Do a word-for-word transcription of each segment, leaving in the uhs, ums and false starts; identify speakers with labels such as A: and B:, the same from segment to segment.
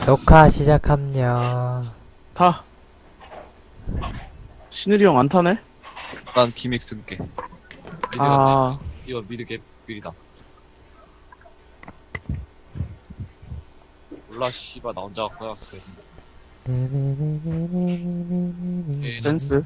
A: 녹화 시작합니다.
B: 타. 신일이 형 안 타네?
C: 난 기믹스 쓸게. 미드 같네.
B: 아,
C: 이거 미드 개 미리다. 몰라 씨발 나 혼자 갈 거야. 그래서. 오케이,
B: 센스.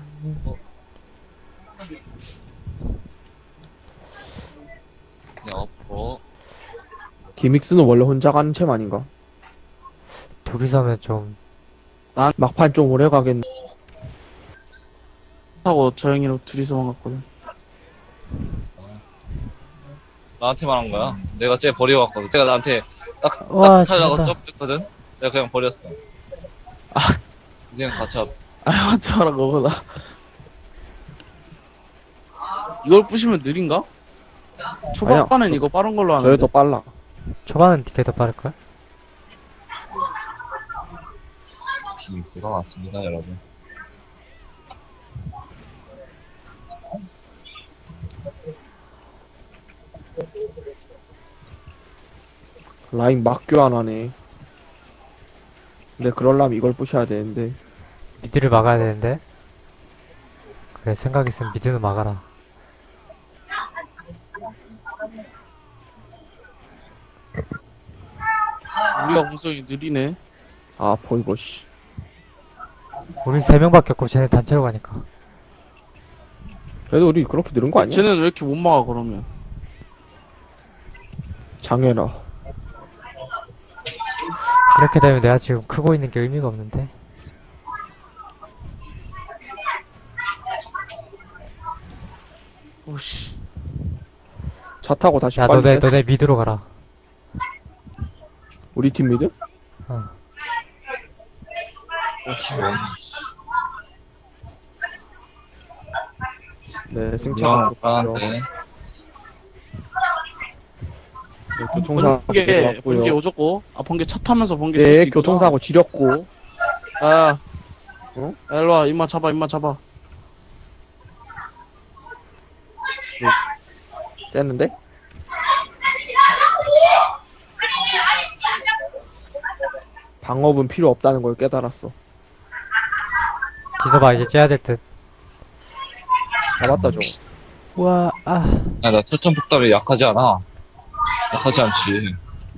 C: 그냥 엎어.
D: 기믹스는 원래 혼자 가는 챔 아닌가?
A: 둘이서면 좀
D: 막판 좀 오래 가겠네.
B: 타고 저 형이랑 둘이서만 갔거든.
C: 나한테 말한 거야. 내가 쟤 버려왔거든. 제가 나한테 딱,
A: 와,
C: 딱 하려고
A: 죽는다.
C: 점프했거든. 내가 그냥 버렸어. 아, 이제 같이 합.
B: 아, 형한테 말한 거구나. 이걸 부시면 느린가? 초반에는
D: 아니야.
B: 이거 빠른 걸로
D: 저게
B: 하는데.
D: 더 빨라.
A: 초반은 걔 더 빠를걸?
C: 기믹스가 왔습니다, 여러분.
D: 라인 막 교환하네. 근데 그럴라면 이걸 부셔야 되는데.
A: 미드를 막아야 되는데. 그래, 생각 있으면 미드는 막아라.
B: 우리가 공성이 느리네.
D: 아, 보이고, 씨.
A: 우리 세 명밖에 없고 쟤네 단체로 가니까.
D: 그래도 우리 그렇게 늘은 거 아니야?
B: 쟤는 왜 이렇게 못 막아, 그러면?
D: 장애라.
A: 그렇게 되면 내가 지금 크고 있는 게 의미가 없는데.
B: 오씨.
D: 차 타고 다시
A: 야,
D: 빨리
A: 너네,
D: 빼.
A: 너네 미드로 가라.
D: 우리 팀 미드?
A: 어.
C: 어, 기본.
D: 네, 승차가
C: 야,
D: 좋고요.
C: 불안한데.
D: 네, 교통사고
B: 번개, 번개
D: 왔고요.
B: 오졌고. 아, 번개 차 타면서 번개 쓸 수
D: 네,
B: 있구나.
D: 교통사고 지렸고.
B: 아,
D: 어?
B: 야, 일로와. 임마 잡아, 임마 잡아.
D: 떼는데? 방업은 필요 없다는 걸 깨달았어.
A: 지서봐, 이제 째야 될 듯.
D: 잡았다, 저거.
A: 우와, 아.
C: 야, 나 철천 폭발이 약하지 않아. 약하지 않지.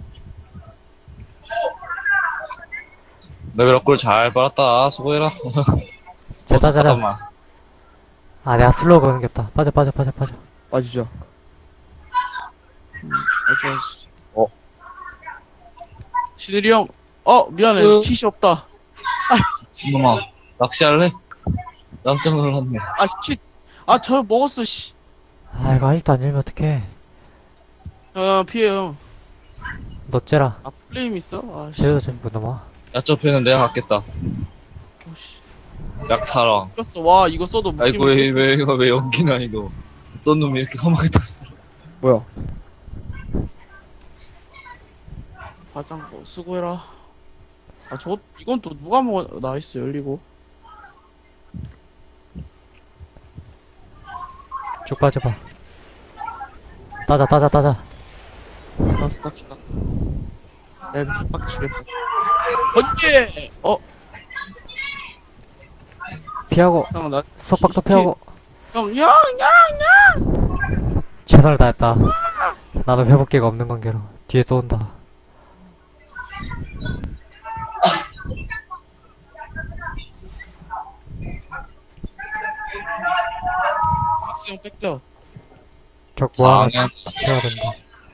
C: 레벨 업글 잘 빨았다. 수고해라.
A: 쟤다 잘라.
C: 잠깐만.
A: 아, 내가 슬로우 거는겼다. 빠져, 빠져, 빠져, 빠져.
D: 빠지죠.
B: 맞아, 씨.
C: 어.
B: 신일이 형. 어, 미안해.
C: 으.
B: 킷이 없다.
C: 신놈아, 낚시할래? 깜짝 놀랐네.
B: 아, 킷. 아, 저 먹었어, 씨.
A: 아, 이거 아직도 안 열면 어떡해.
B: 야, 피해요.
A: 너 째라.
B: 아, 플레임 있어? 아, 씨.
A: 쟤도 전부 넘어.
C: 야쪽 패는 내가 갖겠다.
B: 씨.
C: 약타랑.
B: 이겼어. 와, 이거 써도 묶이면
C: 아이고, 왜,
B: 이겼어.
C: 왜, 이거 왜 연기나, 이거. 어떤 놈이 이렇게 험하게 탔어.
D: 뭐야?
B: 바짱, 수고해라. 아, 저, 이건 또 누가 먹어. 나이스, 열리고.
A: 쭉 빠져봐. 따자, 따자, 따자.
B: 나스 닥치다. 애들 개빡치겠다. 번개! 어,
A: 피하고,
B: 형, 나,
A: 속박도
B: 피-
A: 피하고.
B: 형, 야, 야!
A: 최선을 다했다. 나도 회복기가 없는 관계로. 뒤에 또 온다.
B: 박스 형 뺏겨.
A: 적 모아가
C: 당연.
A: 뒤쳐야 된다.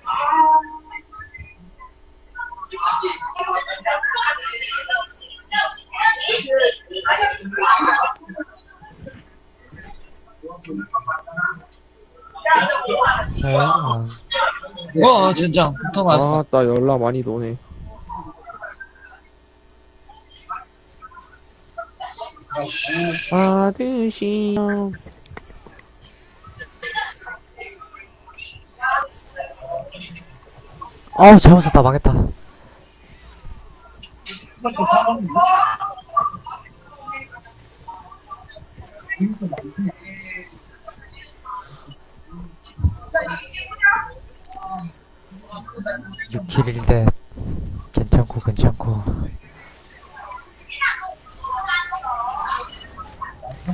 A: 네, 어.
C: 와, 진짜. 폭탄 맞았어.
D: 아, 나 연락 많이 노네. 받으시오.
A: 아우, 잘못 썼다. 망했다. 육 킬 일 대 괜찮고 괜찮고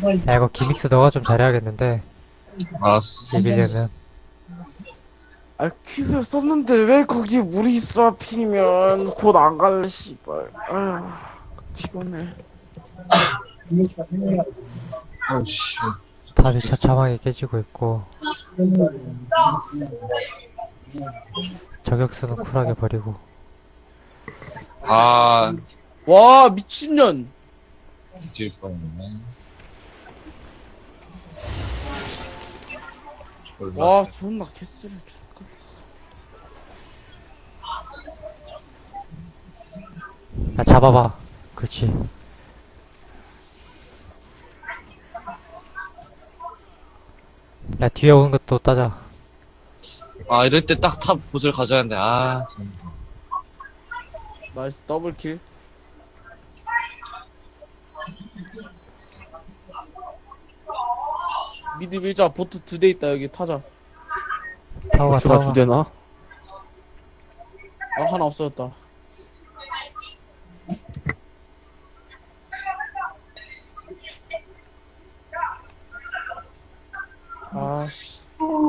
A: 야, 이거 기믹스 너가 좀 잘해야겠는데.
C: 알았어.
A: 이기려면.
B: 아 퀴즈 썼는데 왜 거기 물이 있어 하필이면 곧 안 갈래 씨발. 아휴 피곤해.
C: 어우씨.
A: 탑이 처참하게 깨지고 있고. 저격수는 쿨하게 버리고.
C: 아,
B: 와 미친년.
C: 뒤질 뻔했네. 졸라.
B: 와 존나 개쓰레기 줄까.
A: 야, 잡아봐. 그렇지. 야, 뒤에 오는 것도 따자.
C: 아, 이럴 때 딱 탑 보스를 가져야 하는데, 아, 진짜.
B: 나이스 더블킬. 미드 밀자. 보트 두 대 있다. 여기 타자.
A: 타워가,
D: 제가
A: 타워가.
D: 두 대나?
B: 아 하나 없어졌다. 아씨.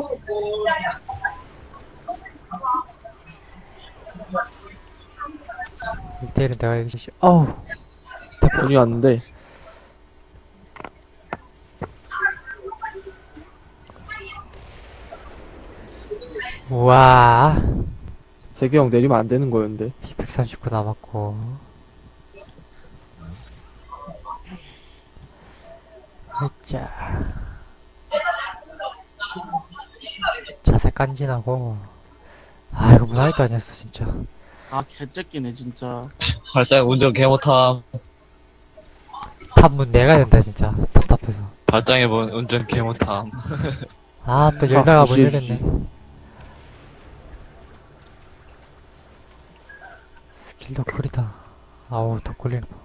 A: 일 대일은 내가 이기시 어우.
D: 돈이 왔는데.
A: 우와.
D: 세계형 내리면 안 되는 거였는데.
A: 피 백삼십구 남았고. 으짜. 자세 깐진하고. 아, 이거 문화이도 아니었어, 진짜.
B: 아 개새끼네 진짜.
C: 발작 운전 개 못함.
A: 탑문 내가 된다, 진짜. 답답해서.
C: 발장해본 운전 개 못함.
A: 아, 또 열다가 못
D: 무시해
A: 열겠네. 스킬도 쿨이다. 아우, 더 꿀리는 거.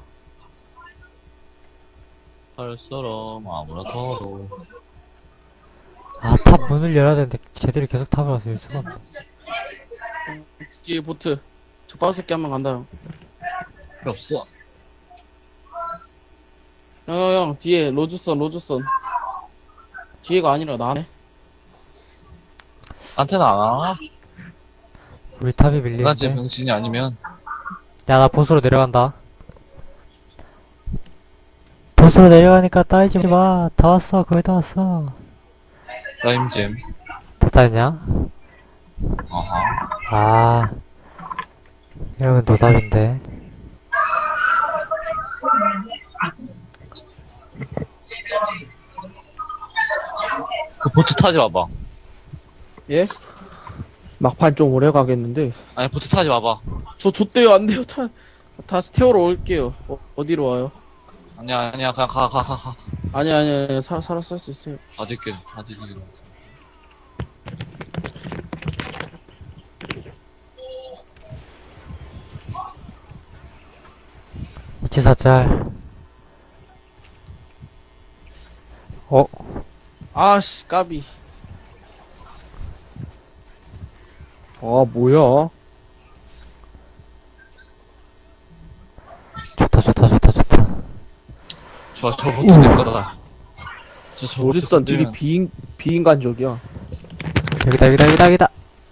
C: 할처럼 아무렇더도.
A: 아, 탑 문을 열어야 되는데, 쟤들이 계속 탑을 와서 열 수가 없네.
B: 뒤에 보트. 족발 새끼 한 명 간다 형.
C: 필요 없어.
B: 형형형 뒤에 로즈선 로즈선. 뒤에가 아니라 나네.
C: 나한테는 안 와.
A: 우리 탑이
C: 난
A: 밀리는데.
C: 제 병신이 아니면.
A: 야, 나 보스로 내려간다. 보스로 내려가니까 따이지 마. 다 왔어, 거의 다 왔어.
C: 라임잼.
A: 다 따였냐?
C: 아하.
A: 아. 이러면 노답인데.
C: 그 보트 타지 마봐.
B: 예?
D: 막판 좀 오래 가겠는데.
C: 아니, 보트 타지 마봐.
B: 저 좆대요 안 돼요. 타 다시 태우러 올게요. 어, 어디로 와요?
C: 아니야, 아니야, 그냥 가, 가, 가, 가.
B: 아니 아니 아니 살 살았을 수 있어요.
C: 다 들게, 다 들게.
A: 이치사짤. 어?
B: 아씨 까비.
D: 아, 뭐야.
A: 좋다, 좋다, 좋다, 좋다.
C: 좋아, 저 보트 내 거다. 저, 저 보트
D: 로즈선 둘이
C: 건드리면
D: 비인, 비인간적이야.
A: 여기다, 여기다, 여기다, 여기다.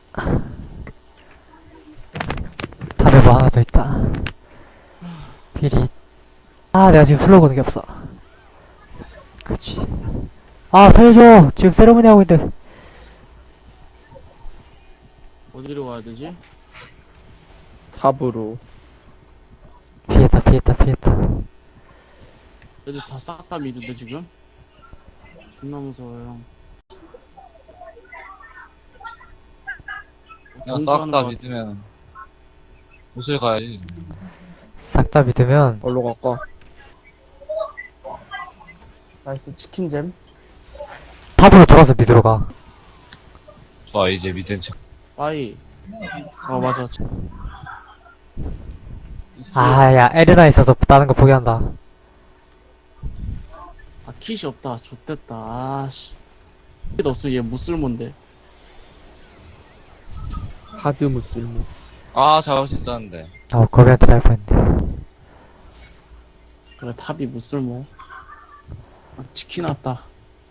A: 탑에 뭐 하나 더 있다. 필이. 아, 내가 지금 슬로우 거는 게 없어. 그렇지. 아, 살려줘! 지금 세레모니 하고 있는데.
B: 어디로 가야 되지?
D: 탑으로.
A: 피했다, 피했다, 피했다.
B: 애들 다 싹 다 미드인데 지금? 존나 무서워요 형.
C: 그냥 싹 다 믿으면 옷을 가야지.
A: 싹 다 믿으면,
D: 얼로 갈까?
B: 나이스 치킨잼.
A: 탑으로 돌아서 미드로 가.
C: 좋아, 이제 믿은 척.
B: 빠이. 아 맞아.
A: 아, 야, 에레나 있어서 다른 거 포기한다.
B: 아 킷이 없다. 좆됐다. 아씨. 킷 없어. 얘 무쓸몬데.
D: 하드 무슬모.
C: 아, 잡을 수 있었는데.
A: 아, 거비한테 잘 뻔했네.
B: 그래 탑이 무쓸모. 아, 치킨 왔다.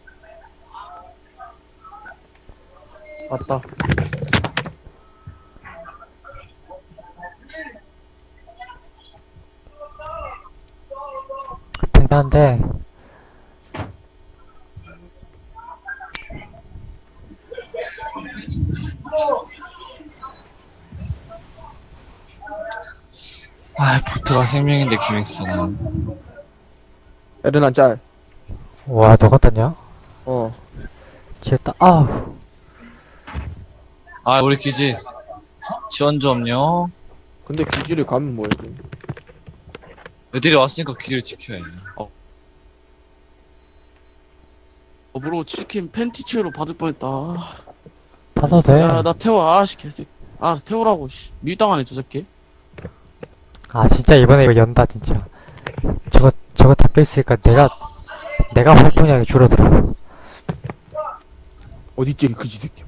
B: 왔다.
A: 백난데
C: 아, 보트가 생명인데, 기믹스는.
D: 에르난 짤.
A: 와 너가 땄냐?
D: 어.
A: 지었다. 아우
C: 아, 우리 기지. 지원 좀요.
D: 근데 기지를 가면 뭐해? 그럼.
C: 애들이 왔으니까 길을 지켜야지. 어,
B: 더불어 치킨 팬티치로 받을 뻔했다.
A: 타도 돼.
B: 야, 나 태워. 아씨, 개새끼. 아, 태우라고, 씨. 밀당하네, 저 새끼.
A: 아 진짜 이번에 이거 연다 진짜. 저거 저거 닦여 있으니까 내가 내가 활동량이 줄어들어.
D: 어딨지 이 그지 새끼.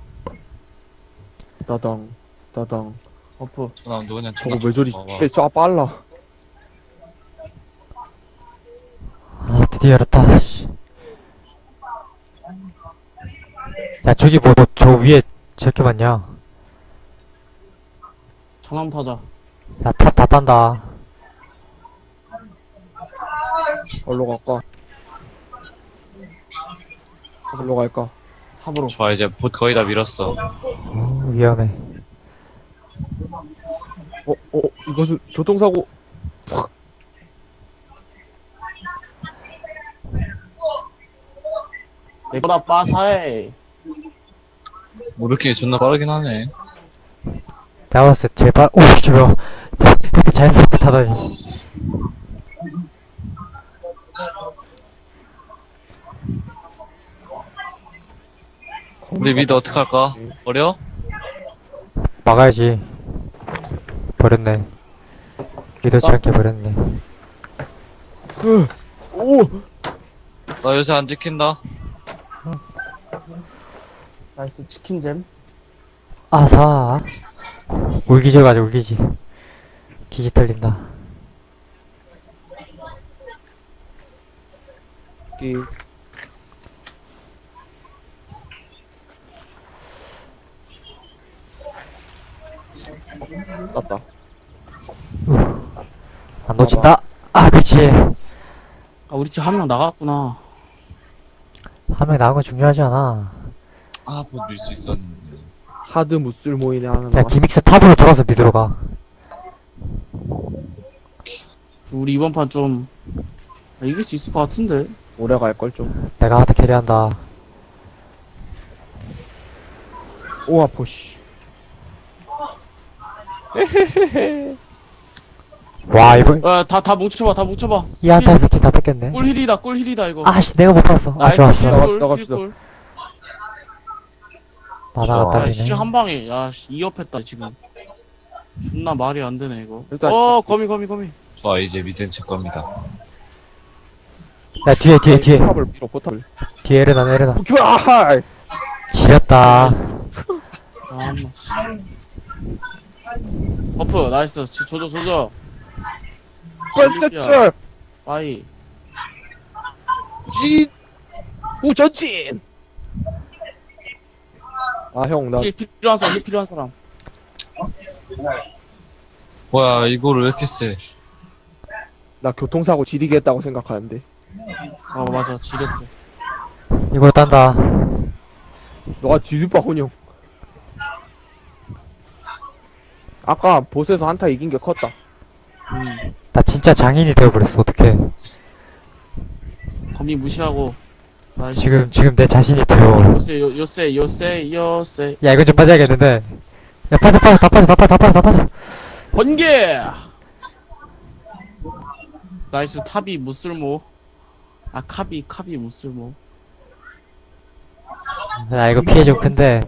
D: 따당 따당.
B: 어프.
C: 저 사람 누구냐,
D: 저거 왜 저리
C: 봐봐.
D: 빼, 저 빨라.
A: 아 드디어 열었다. 씨. 야 저기 뭐 저 위에 저렇게 많냐?
B: 전함 타자.
A: 야 탑 다 딴다.
D: 어디로 갈까? 어디로 갈까?
B: 탑으로.
C: 좋아, 이제 봇 거의 다 밀었어.
A: 어, 위험해.
D: 어, 어, 이것은 교통사고.
B: 내거다 빠사해.
C: 모르게 존나 빠르긴 하네.
A: 내가 봤을 때 제발 오 저거 이렇게 자연스럽게 타다니.
C: 우리 미드 어떡할까? 버려?
A: 막아야지. 버렸네. 의도치 않게 버렸네.
D: 으, 오,
C: 나 요새 안 지킨다.
B: 나이스, 치킨잼.
A: 아사. 울기질 가자 울기지. 기지 털린다.
D: 이 땄다.
A: 안 놓친다. 아 그치.
B: 아, 우리 팀 한 명 나갔구나.
A: 한 명 나온 건 중요하지 않아.
C: 아, 봇 밀 수 있었는데.
D: 하드 무술 모이네 하는
A: 야
D: 거.
A: 기믹스 탑으로 돌아서 미드로 가.
B: 우리 이번 판 좀, 아, 이길 수 있을 것 같은데.
D: 오래 갈 걸 좀.
A: 내가 하드 캐리한다.
D: 오 아파 씨.
A: 와 이번
B: 야, 다, 다 뭉쳐봐, 다 뭉쳐봐.
A: 이 한타 스킬 다 뺏겼네.
B: 꿀힐이다, 꿀힐이다, 이거.
A: 아씨 내가 못 봤어. 아
B: 나이스,
A: 좋았어.
D: 나가-
B: 힐꿀,
D: 나갑시다.
B: 힐꿀.
A: 나나가
C: 좋아.
B: 야,
A: 딸리네.
B: 힐 한 방에, 야, 씨, 이업했다, 지금. 존나 말이 안 되네, 이거.
D: 일단-
B: 어, 거미, 거미, 거미.
C: 좋아, 이제 미드는 제 겁니다.
A: 야 뒤에 뒤에 뒤에
D: 포탑을 밀어 포탑을.
A: 뒤에 에르나 에르나.
D: 오케이 아.
A: 지렸다.
B: 나이스. 아, 마 씨. 버프, 나이스. 지- 조져, 조져.
D: 번째째
B: 빠이.
D: 진 우전진. 아 형 나
B: 힐 필요한 사람, 힐 필요한 사람.
C: 뭐야, 이거를 왜 이렇게 세?
D: 나 교통사고 지리게 했다고 생각하는데.
B: 아, 맞아. 지렸어.
A: 이걸 딴다.
D: 너가 뒤집어 혼용. 아까 보스에서 한타 이긴 게 컸다.
B: 음.
A: 나 진짜 장인이 되어버렸어. 어떡해.
B: 거미 무시하고. 나이스.
A: 지금 지금 내 자신이 되어.
B: 요새, 요, 요새, 요새, 요새.
A: 야 이건 좀 빠져야겠는데. 야 빠져 빠져 다 빠져 다 빠져 다 빠져 다 빠져.
B: 번개! 나이스. 탑이 무쓸모. 아, 카비, 카비 무쓸모.
A: 야 이거 피해 좀 큰데.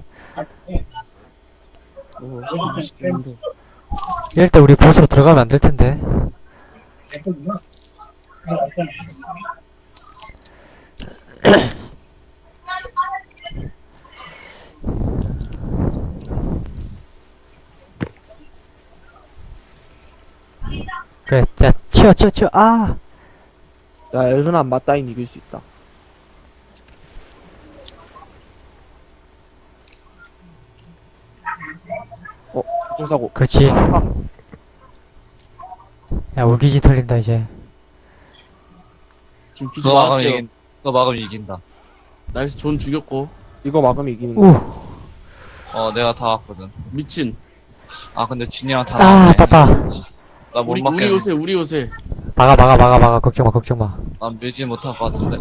B: 어, 시켰는데.
A: 이럴 때 우리 보스로 들어가면 안 될 텐데. 그래, 야 치워 치워 치워. 아,
D: 야, 엘르나 맞다인 이길 수 있다. 어, 교통사고.
A: 그렇지. 야, 울기지 털린다, 이제.
B: 지금 기지
C: 그거 막으면
B: 나갈게요.
C: 이긴, 그거 막으면 이긴다.
B: 나이스 존 죽였고.
D: 이거 막으면 이기는 거.
A: 우!
C: 어, 내가 다 왔거든.
B: 미친.
C: 아, 근데 진이랑 다
A: 아,
C: 나왔네.
A: 아깝다.
C: 나 못
B: 우리, 우리
C: 맞겠네.
B: 요새, 우리 요새.
A: 막아, 막아, 막아, 막아. 걱정 마, 걱정 마.
C: 난 밀지 못할 것 같은데.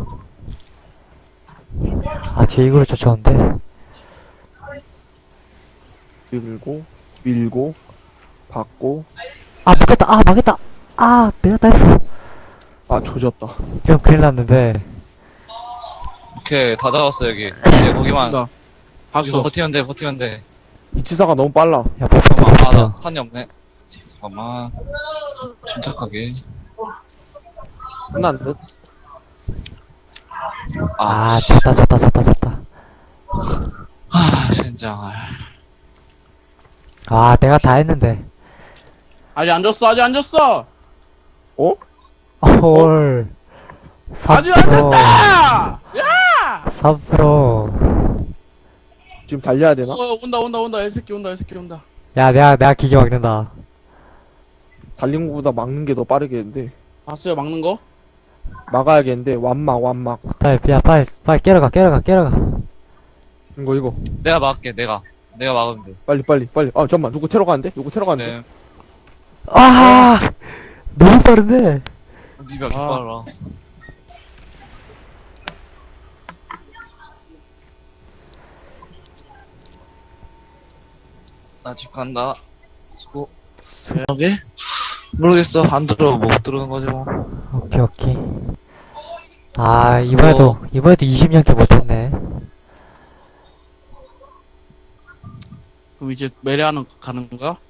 A: 아, 뒤에 이구를 쫓아오는데.
D: 밀고, 밀고, 받고.
A: 아, 막겠다. 아, 막겠다. 아, 내가 다 했어.
D: 아, 조졌다.
A: 좀 큰일 났는데.
C: 오케이, 다 잡았어, 여기. 이제 거기만.
B: 나.
C: 여기서
B: 봤어.
C: 버티면 돼, 버티면 돼.
D: 이치사가 너무 빨라.
A: 야, 버프터,
C: 잠깐만, 아, 나
A: 버프터.
C: 산이 없네. 잠깐만. 침착하게.
D: 끝난 듯.
C: 아,
A: 아, 졌다, 졌다, 졌다, 졌다.
C: 아, 젠장.
A: 아, 내가 다 했는데.
B: 아직 안 졌어, 아직 안 졌어!
D: 어?
A: 헐.
B: 아직 안 졌다!
A: 삼 퍼센트.
D: 지금 달려야 되나?
B: 어, 온다, 온다, 온다. 이 새끼 온다, 이 새끼 온다.
A: 야, 내가, 내가 기지 막는다.
D: 달리는 것보다 막는 게 더 빠르겠는데.
B: 봤어요, 막는 거?
D: 막아야겠는데, 완막, 완막.
A: 빨리, 야, 빨리, 빨리 깨러가, 깨러가, 깨러가.
D: 이거, 이거.
C: 내가 막을게, 내가. 내가 막으면 돼.
D: 빨리, 빨리, 빨리. 아, 잠깐만. 누구 테러 가는데? 누구 테러 가는데?
C: 네.
A: 아! 너무 빠른데?
C: 니가 개빨라. 나 집 간다. 수고. 여기? 모르겠어. 안 들어. 못 들어오는 거지 뭐.
A: 오케이, 오케이. 아, 이번에도, 이번에도 이십 년께 못했네.
B: 그럼 이제 메레하는 가는 거야?